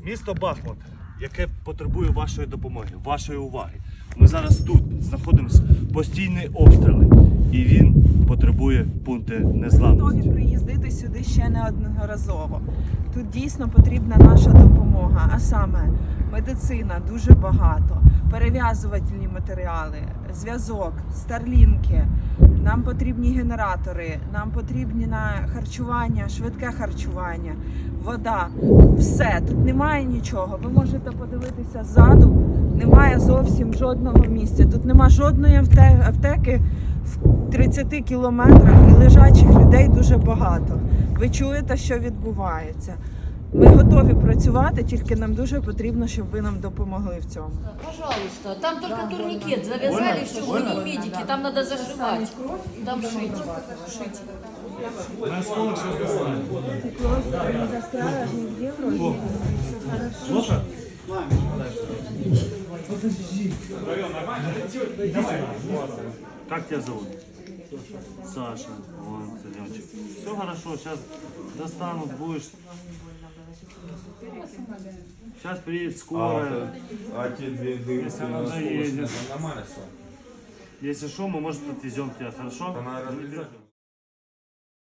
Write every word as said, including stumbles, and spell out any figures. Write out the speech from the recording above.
Місто Бахмут, яке потребує вашої допомоги, вашої уваги. Ми зараз тут знаходимося постійні обстріли, і він потребує пункти незламності. Готові приїздити сюди ще неодноразово. Тут дійсно потрібна наша допомога, а саме медицина дуже багато, перев'язувальні матеріали, зв'язок, старлінки. Нам потрібні генератори, нам потрібні на харчування, швидке харчування, вода. Все, тут немає нічого. Ви можете подивитися ззаду, немає зовсім жодного місця. Тут немає жодної аптеки в тридцяти кілометрах і лежачих людей дуже багато. Ви чуєте, що відбувається. Ми готові працювати, тільки нам дуже потрібно, щоб ви нам допомогли в цьому. Пожалуйста, там только турникет завязали, все, мы не медики, там надо зашивать, там шить, шить. Как тебя зовут? Саша. Вон, Санечек. Все хорошо, сейчас достанут, будешь. Сейчас приедет скорая. А те две дырки Если на она скорость, доедет. нормально все? Если что, мы, может, отвезем тебя, хорошо? Она Не разрезать? бежим.